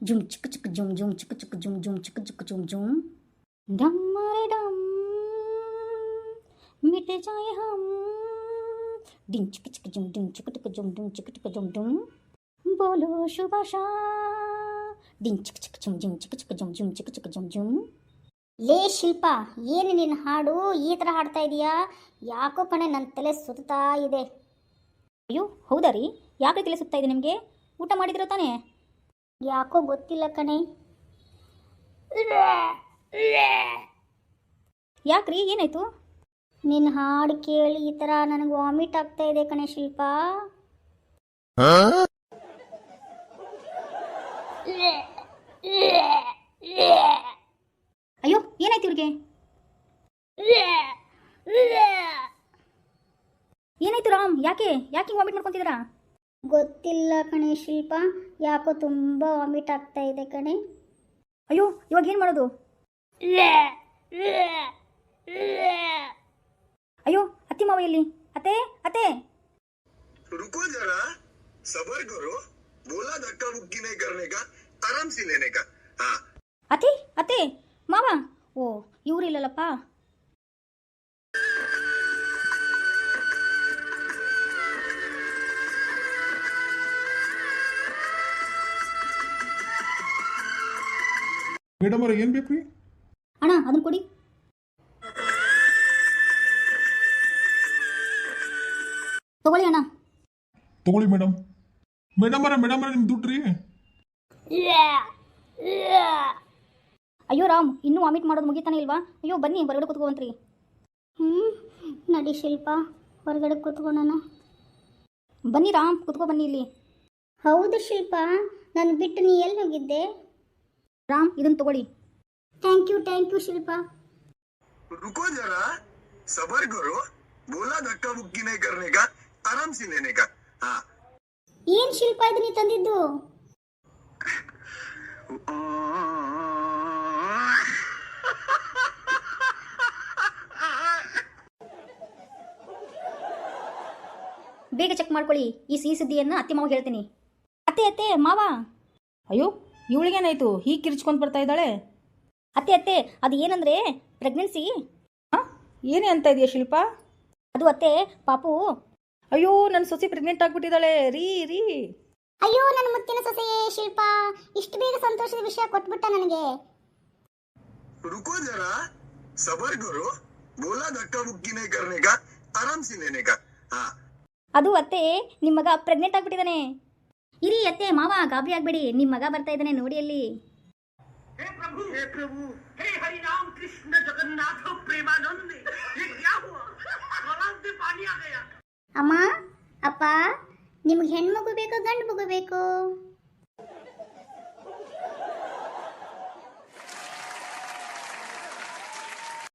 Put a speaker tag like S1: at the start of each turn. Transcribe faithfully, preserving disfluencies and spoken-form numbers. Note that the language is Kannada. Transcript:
S1: ಜುಮ್ ಚಿಕ್ಕ ಚಿಕ್ಕ ಜುಮ್ ಜುಮ್ ಚಿಕ್ಕ ಚಿಕ್ಕ ಜುಮ್ ಜುಮ್ ಚಿಕ್ಕ ಚಿಕ್ಕ ಜುಮ್ ಜುಮ್ ಡಮ್ಮರೆ ಡಮ್ मिट जाए हम डिंग चिक चिक जुम डिंग चिक टिक जुम डिंग चिक टिक जुम डुम बोलो शुभाशा डिंग चिक चिक जुम डिंग चिक चिक जुम जुम चिक चिक जुम जुम ಲೇ ಶಿಲ್ಪ, ಏನು ನಿನ್ನ ಹಾಡು ಈ ಥರ ಹಾಡ್ತಾ ಇದೀಯಾ? ಯಾಕೋ ಕಣೆ ನನ್ನ ತಲೆ ಸುತ್ತಾ ಇದೆ. ಅಯ್ಯೋ ಹೌದಾ ರೀ, ಯಾಕೆ ತಲೆ ಸುತ್ತಾ ಇದೆ ನಿಮಗೆ? ಊಟ ಮಾಡಿದಿರೋ ತಾನೇ? ಯಾಕೋ ಗೊತ್ತಿಲ್ಲ ಕಣೆ. ಯಾಕ್ರಿ, ಏನಾಯ್ತು? ನಿನ್ನ ಹಾಡು ಕೇಳಿ ಈ ಥರ ನನಗೆ ವಾಮಿಟ್ ಆಗ್ತಾ ಇದೆ ಕಣೆ ಶಿಲ್ಪ. ಅಯ್ಯೋ ಏನಾಯ್ತು ಇವ್ರಿಗೆ? ಏನಾಯ್ತು ರಾಮ್? ಯಾಕೆ ಯಾಕೆ ವಾಮಿಟ್ ಮಾಡ್ಕೊಂತಿದ್ದೀರಾ? ಗೊತ್ತಿಲ್ಲ ಕಣೆ ಶಿಲ್ಪ, ಯಾಕೋ ತುಂಬ ವಾಮಿಟ್ ಆಗ್ತಾ ಇದೆ ಕಣೆ. ಅಯ್ಯೋ ಇವಾಗ ಏನು ಮಾಡೋದು? ಅಯ್ಯೋ ಅತ್ತಿ ಮಾವ ಎಲ್ಲಿ? ಅತ್ತೆ ಅತ್ತೆ
S2: रुको जरा, सबर करो, बोला धक्का मुक्की नहीं करने का, आराम से लेने का. हाँ
S1: ಅತ್ತೆ ಅತ್ತೆ ಮಾವ, ಓ ಇವ್ರು ಇಲ್ಲಲ್ಲಪ್ಪ.
S3: ಮೇಡಮ್ ಅವ್ರ ಏನು ಬೇಕು ರೀ?
S1: ಅಣ್ಣ ಅದನ್ನ ಕೊಡಿ. ತಗೊಳ್ಳಿ ಅಣ್ಣ.
S3: ತಗೊಳ್ಳಿ ಮೇಡಮ್. ಮೇಡಮ್ ಅವರ ಮೇಡಮ್ ಅವರ ನಿಮ್ಮ ದುಡ್ಡು ರೀ.
S1: ಅಯ್ಯೋ ರಾಮ್, ಇನ್ನೂ ವಾಮಿಟ್ ಮಾಡೋದು ಮುಗಿತಾನೆ ಇಲ್ವಾ? ಅಯ್ಯೋ ಬನ್ನಿ ಹೊರಗಡೆ ಕೂತ್ಕೊಂಡ್ರಿ. ಹ್ಞೂ ನಡಿ ಶಿಲ್ಪ, ಹೊರಗಡೆ ಕೂತ್ಕೊಳ್ಳೋಣ. ಬನ್ನಿ ರಾಮ್, ಕೂತ್ಕೊ ಬನ್ನಿ ಇಲ್ಲಿ. ಹೌದು ಶಿಲ್ಪ, ನಾನು ಬಿಟ್ಟು ನೀ ಎಲ್ಲಿ ಹೋಗಿದ್ದೆ? ರಾಮ್ ಇದನ್ನು ತಗೊಳ್ಳಿ. Thank you thank you Shilpa.
S2: रुको जरा, सबर करो, बोला धक्का मुक्की नहीं करने का, आराम से लेने का. हाँ
S1: ಏನು ಶಿಲ್ಪ ಇದು ನೀ ತಂದಿದ್ದು? ಬೇಗ ಚೆಕ್ ಮಾಡ್ಕೊಳ್ಳಿ. ಈ ಸಿಹಿ ಸುದ್ದಿಯನ್ನು ಅತ್ತೆ ಮಾವ ಹೇಳ್ತೀನಿ. ಅತ್ತೆ ಅತ್ತೆ ಮಾವ.
S4: ಅಯ್ಯೋ ಇವಳಿಗೇನಾಯ್ತು ಹೀಗೆ ಕಿರ್ಚ್ಕೊಂಡು ಬರ್ತಾ ಇದ್ದಾಳೆ?
S1: ಅತ್ತೆ ಅತ್ತೆ ಅದು ಏನಂದ್ರೆ ಪ್ರೆಗ್ನೆನ್ಸಿ.
S4: ಹಾಂ ಏನೇ ಅಂತ ಇದೆಯಾ ಶಿಲ್ಪ?
S1: ಅದು ಅತ್ತೆ ಪಾಪು.
S4: ಅಯ್ಯೋ ನನ್ನ ಸೊಸೆ ಪ್ರೆಗ್ನೆಂಟ್ ಆಗಿಬಿಟ್ಟಿದ್ದಾಳೆ ರೀ ರೀ.
S1: ಅಯ್ಯೋ ನನ್ನ ಮುತ್ತಿನ ಸೊಸೆಯೇ ಶಿಲ್ಪ, ಇಷ್ಟು ಬೇಗ ಸಂತೋಷದ ವಿಷಯ ಕೊಟ್ಬಿಟ್ಟ ನನಗೆ.
S2: रुको जरा, सबर करो, बोला धक्का मुक्की नहीं करने का, आराम से लेने का. हाँ
S1: ಅದು ಅತ್ತೆ ನಿಮ್ಮ ಮಗ ಪ್ರೆಗ್ನೆಂಟ್ ಆಗಿಬಿಟ್ಟಿದ್ದಾನೆ. ಇರಿ ಅತ್ತೆ ಮಾವ ಗಾಬರಿ ಆಗಬೇಡಿ, ನಿಮ್ಮ ಮಗ ಬರ್ತಾ ಇದ್ದಾನೆ ನೋಡಿ ಅಲ್ಲಿ.
S5: हे प्रभु हे प्रभु हे हरि राम कृष्ण जगन्नाथ प्रेमानंद, ये क्या हुआ? गलास में पानी आ गया.
S1: ಅಮ್ಮ ಅಪ್ಪ, ನಿಮ್ಗೆ ಹೆಣ್ಮಗು ಬೇಕೋ ಗಂಡು ಮಗು ಬೇಕೋ?